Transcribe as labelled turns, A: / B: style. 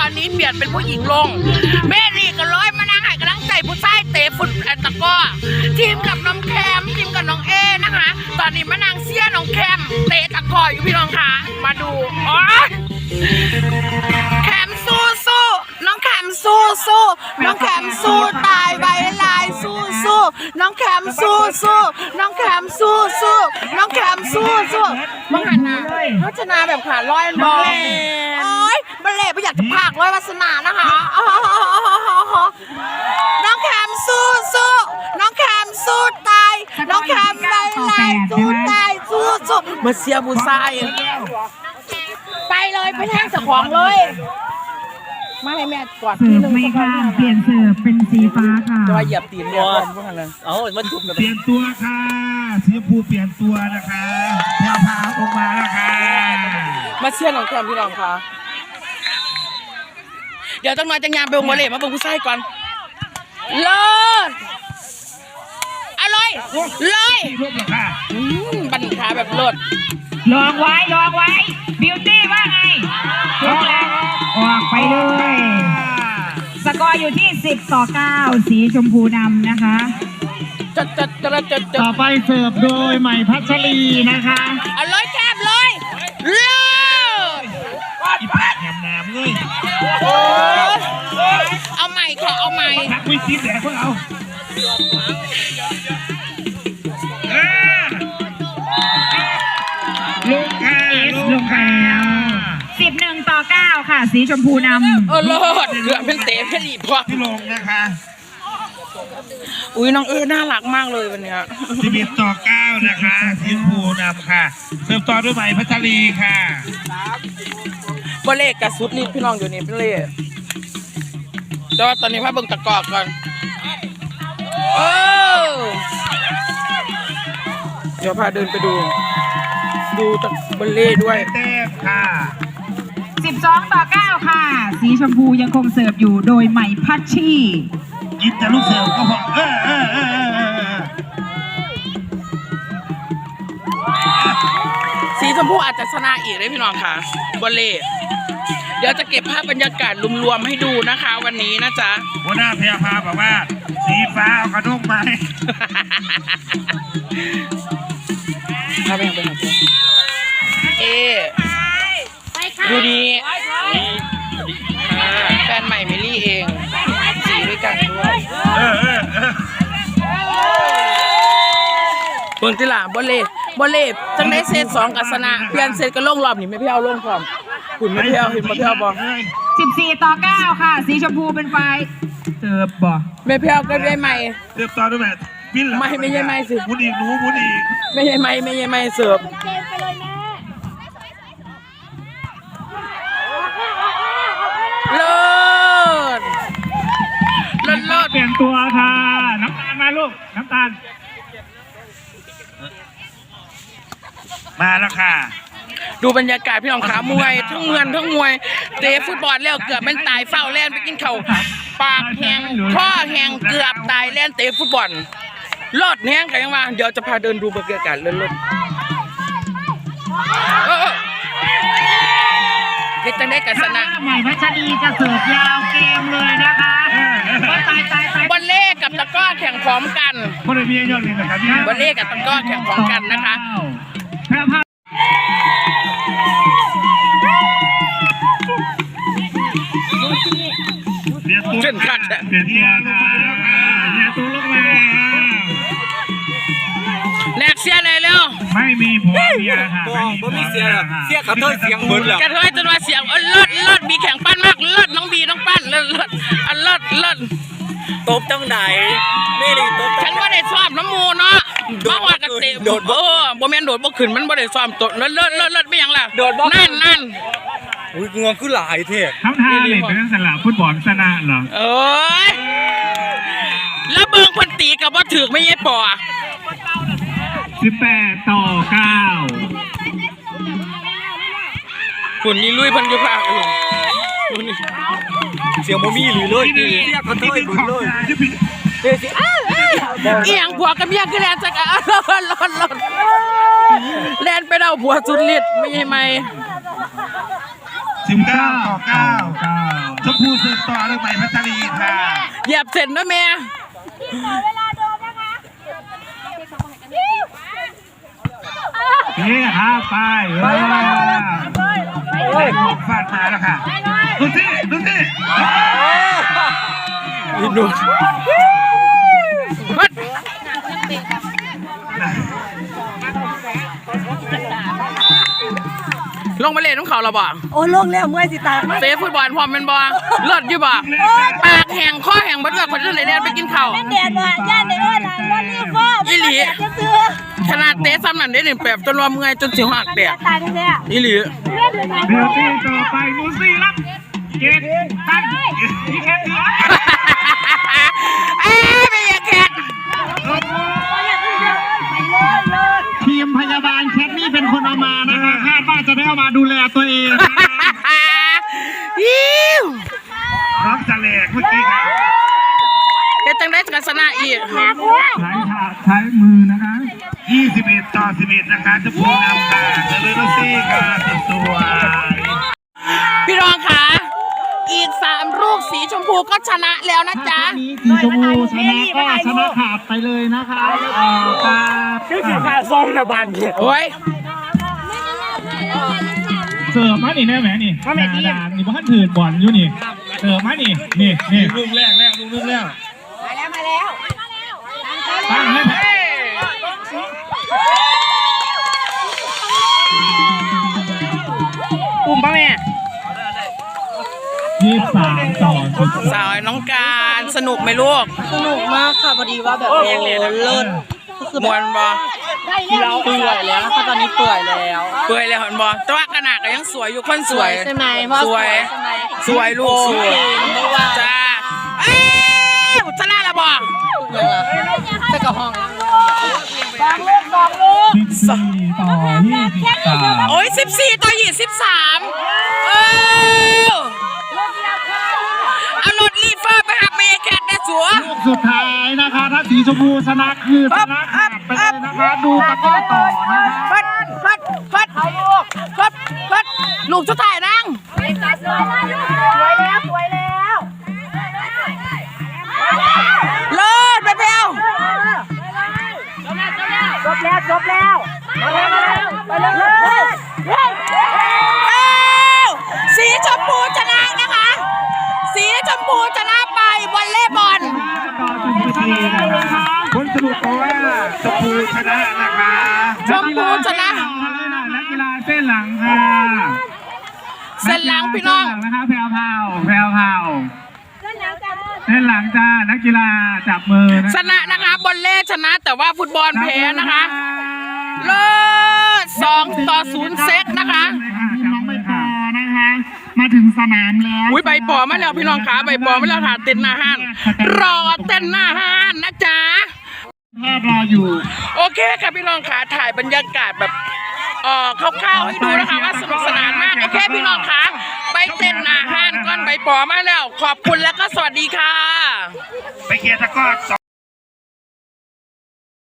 A: อนนี้เปลี่ยนเป็นผู้หญิงลงแม่ลีก็ร้อยมานั่งให้กำลังใจผู้ชายเตะฟุตตะก้อทีมกับน้องแคมทีมกับน้องเอนะคะตอนนี้มานั่งเชียร์น้องแคมเตะตะก้ออยู่พี่น้องคะมาดูอ๋อแคมสู้สู้น้องแคมสู้สู้น้องแคมสู้ตายใบลายสู้สู้น้องแคมสู้สู้น้องแคมสู้สู้น้องแคมสู้สู้บังหันนะพัฒนาแบบขาลอยบอลโอ้ยบัลเล่ไม่อยากจะพากร้อยวาสนานะคะน้องแคมสู้สู้น้องแคมสู้ตายน้องแคมใบลายสู้ตายสู้สู้มาเชียร์บูซายไปเลยไปแทงเจ้าของเลยมาให้แม่กอด
B: เสิร์ฟไม่ค่ะเปลี่ยนเสิร์ฟเป็นสีฟ้าค่ะ
A: จะมาเหยียบตีนเนี่ยพวกนั้นเอามันจุ่มกัน
C: เปลี่ยนตัวค่ะสีชมพูเปลี่ยนตัวนะคะแพรวพาออกมาแล้วค่ะ
A: มาเชียร์น้องแคมพี่น้องค่ะเดี๋ยวต้องมาจังยามไปวงวอลเลย์มาเบิ่งผู้ชายก่อนเลิศอร่อยเลย
C: รูปเหรอค่ะ
A: บันขาแบบเลิศ
B: ลองไว้บิวตี้ว่าไงออกไปเลยสกอร์อยู่ที่10-9สีชมพูนำนะคะ
A: จัด
C: ต่อไปเสิร์ฟโดยใหม่พัชรีนะคะ
A: เอาเลยแคบเลยเลิศ
C: อีแพะแหมน้ำเลย
A: เอาใหม่ค่ะเอาใหม่
C: ทักวิคิดแดกพวกเราลูกค่ะลูกค่ะ
B: 11-9ค่ะสีชมพูนำ
A: เลิศเรือเป็นเตะเป็นอีพอ
C: ที่ลงนะคะ
A: อุ้ยน้องน่ารักมากเลยวันนี้
C: 11-9นะคะสีชมพูนำค่ะเสิร์ฟต่อด้วยใหม่พัชรีค่ะ
A: บอลเล่กับซุปนี่พี่น้องอยู่นี่เป็นเล่แต่ว่าตอนนี้มาเบิ่งตะกอกก่อนเดี๋ยวพาเดินไปดูตะบอลเล่ด้วย
C: เต้ค่ะ
B: 12-9ค่ะสีชมพูยังคงเสิร์ฟอยู่โดยใหม่พัชชี
C: ยิบแต่ลูกเสิร์ฟก็พอ
A: สีชมพูอาจจะชนะอีกเลยพี่น้องค่ะบอลเล่เดี๋ยวจะเก็บภาพบรรยากาศรวมๆให้ดูนะคะวันนี้นะจ๊ะ
C: หัวหน้าพยาพาบอกว่าสีฟ้าเอากระด้งไหม
A: พาไปหาดูดีแฟนใหม่มิลลี่เองสีด้วยกันด้วยเบิ่งที่หล่ะบอลเล่จังได้เซต2กับชนะเปลี่ยนเซตก็ลงรอบนี่ไม่พี่เอาลงพร้อมคุณไม่พี่เอาเห็นไม่พี่เอาบอก
B: 14-9ค่ะสีชมพูเป็นไฟเสิร์ฟบ่
A: ไม่พี่เอาก็ได้ใหม่
C: เสิร์ฟต่อด้วยแบบปิ้นหลัง
A: ไม่ใช่ไม่สิ
C: มุนอีกหนูมุนอีก
A: ไม่ใช่ไม่เสิร์ฟเลิศ
C: เปลี่ยนตัวค่ะน้ำตาลมาลูกน้ำตาลมาแล้วค่ะ
A: ดูบรรยากาศพี่น้องขามวยทั้งเมืองทั้งมวยเตะฟุตบอลแล้วเกือบมันตายเฝ้าแล่นไปกินเข่าปากแห้งข้อแห้งเกือบตายแล่นเตะฟุตบอลรอดแห้งกันยังว่าเดี๋ยวจะพาเดินดูบรรยากาศเลิศเฮ็ดจังได้กับชนะ
B: ใหม่พัชรีจะเสิร์ฟยาวเกมเลยนะคะ
A: บอลเล่กับตะก้อแข่งพร้อมกัน
C: คนเมียยอดเลยนะครับ
A: บอลเล่กับตะก้อแข่งพร้อมกันนะคะเช่นกัน
C: เปลี่ยนตัวลงมาแล้วค่ะเปลี่ยนตัวลงมา
A: แลกเสียเลยเร็ว
C: ไม่มีผัวเมียค่ะไม่มี
D: เสียกระเทยเสียงเหมือนเหรอก
A: ระเทยจนว่าเสียงเลิศมีแข่งปั้นมากเลิศน้องบีน้องปั้นเลิศ
D: ตบจังไหนไม่ได้ตบ
A: ฉันว่าได้ซ้อมน้ำมูเนาะมาว่ากันเตะโดดบ่แม่นโดดบ่ขึ้นมันบ่ได้ซ้อมตดเลิศไม่ยังล่ะ
D: โดดบ่
A: นั่น
D: อุ้ยงวงคือหลายเท่
C: ทั้งท่าเลยเป็นสลับฟุตบอลชนะเหรอ
A: แล้วเบิ่งคนตีกับว่าถือไม่ใช่ปอ
C: 18-9
A: คุณนี่ลุยพันยุภาค
D: เสียงโมมี่หรือเลยเสียกระเทยเหมือนเลย
A: อีหยังผัวกับเมียคือแลนจักรรถแลนไปเอาผัวสุดฤทธิ์ไม่ใช่ไหม
C: 19-9 พูเสิร์ฟต่อด้วยใหม่พัชรีค่ะ
A: เหยียบเสร็จนะแม่
C: นี่ครับไปฟาดมาแล้วค่ะดูสิดูสิ
D: ดู
A: ลงไปเล่นน้ำเขาเราบ่
E: โอ้ลงแล้วเมื่อยสิตาย
A: เตะฟุตบอลพร้อมเป็นบ่เลิศอยู่บ่ปากแห้งข้อแห้งบ่เลือกคนอื่นเลยเล่นไปกินข้าว
E: แดดว่าย่านในอ้อนน่ะรถรีบฟ้า
A: อีหลี
E: จะซื้อ
A: ขนาดเตะซ้ำนั่นได้หนึ่งแบบจนว่าเมื่อยจนสิหักแดด
E: ตายแท้
A: อีหลี
C: เดี๋ยวตีต่อไปนูซี่รับเก็บตั้งที่แค่นี้
A: เอ้ยไม่อยากแข่ง
C: ทีมพยาบาลแคทนี่เป็นคนเอามานะคะคาดว่าจะได้เอามาดูแลตัวเอง
A: ยิ้ว
C: น้องจะแหลกเมื่อกี้ครับ
A: เฮ็ดจังได้กับชนะอีก
C: ใช้มือนะคะ21 ต่อ 11นะคะจะพูดนำค่ะเดลิเวอรี่ค่ะสวย
A: พี่รองค่ะอีก3ลูกสีชมพูก็ชนะแล้วนะจ๊ะ
C: สีชมพูชนะก็ชนะขาดไปเลยนะคะครับ
A: โอ้ย
C: เสิร์ฟมานี่แน่แหมนี่มาแม่นี่นี่บ้านถือบอลอยู่นี่เสิร์ฟมานี่นี่ลูกแรกลูกแรกตั้งให้แพ้
A: ปุ่มป่ะแม่
C: 23 ต่อ
A: สาวน้องการสนุกไหมลูก
E: สนุกมากค่ะพอดีว่าแบบโอ้เลิศ
A: มวนบ่
E: เราเปื่อยแล้วค่ะตอนนี้เปื่อยแล้ว
A: เปื่อยเลยเห็นบ่แต่ว่ากระหนักก็ยังสวยอยู่คนสวย
E: ใช่ไหมพ่อ
A: สวย
E: ใช่ไหม
A: สวยลูกสวยจ้าเอ้ยชนะแล้วบ่
E: ไปกับห้อง
C: 14 ต่อ 23
A: โอ้ย14 ต่อ 23เอารถรีเฟอร์ไปหาเมย์แคทได้สัว
C: ลูกสุดท้ายนะคะถ้าสีชมพูชนะคือชนะขาดไปเลยนะคะดูตะก้อต่อนะคะ
A: พัดลูกสุดท้ายนั่ง
E: สวยแล้วสวยแล้ว
A: เลิศไปเปลว
E: จบแล้วไปเลย
A: สีชมพูชนะนะคะ สีชมพูชนะไปวอลเลย์บอล
C: ผลสรุปเพราะว่าชมพูชนะนะคะ
A: ชมพูชนะ
C: นักกีฬาเส้นหลังค่ะ
A: เส้นหลังพี่น้อง
C: นะคะแพรวเส้นหลังจ้านักกีฬาจับมือ
A: ชนะนะคะบอลเล่ชนะแต่ว่าฟุตบอลแพ้นะคะเลิศ2 ต่อ 0 เซตนะคะ
C: น้องใบปอนะคะมาถึงสนามแล้ว
A: อุ้ยใบปอมาแล้วพี่น้องขาใบปอมาแล้วถ่าเต้นหน้าห้านรอเต้นหน้าห้านนะจ๊ะ
C: แพทย์รออยู่
A: โอเคค่ะพี่น้องขาถ่ายบรรยากาศแบบคร่าวๆให้ดูนะคะว่าสนุกสนานมากโอเคพี่น้องขาไปเต้นหน้าห้านก่อนใบปอมาแล้ว ขอบคุณแล้วก็สวัสดีค่ะ
C: ไปเคลียร์ตะกร้อ